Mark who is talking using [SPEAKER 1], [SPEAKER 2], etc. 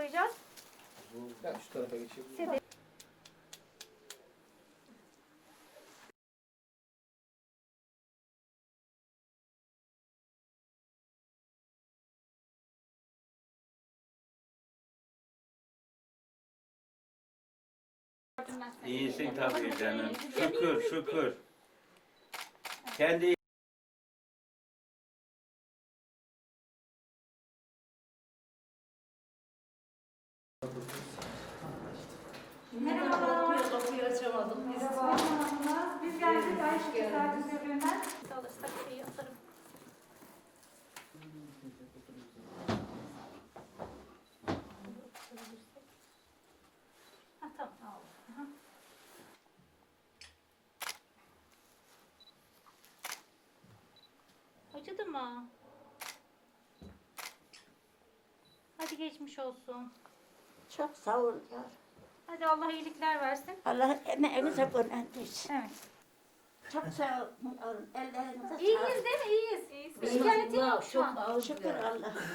[SPEAKER 1] koyacağız?
[SPEAKER 2] Ben şu tarafa geçeyim.
[SPEAKER 1] Sedef.
[SPEAKER 3] İyisin tabii canım. Şükür şükür. Kendi
[SPEAKER 1] Merhaba.
[SPEAKER 4] Kapıyı açamadım.
[SPEAKER 1] Merhaba. Biz geldik. Ayşe Tesadüf Ürün'den. Alırsak şeyi atarım. Ha, tamam. Aha. Acıdı mı? Hadi geçmiş olsun.
[SPEAKER 5] Çok sağ ol ya.
[SPEAKER 1] Hadi Allah iyilikler versin.
[SPEAKER 5] Allah emeğinize gönderdirsin.
[SPEAKER 1] Evet.
[SPEAKER 5] Çok sağ olun. Ellerinize
[SPEAKER 1] İyiyiz
[SPEAKER 5] sağlık.
[SPEAKER 1] değil mi? İyiyiz.
[SPEAKER 4] Biz
[SPEAKER 1] Şikayetin yok şu
[SPEAKER 4] çok
[SPEAKER 1] an.
[SPEAKER 4] ağır
[SPEAKER 5] Şükür Allah.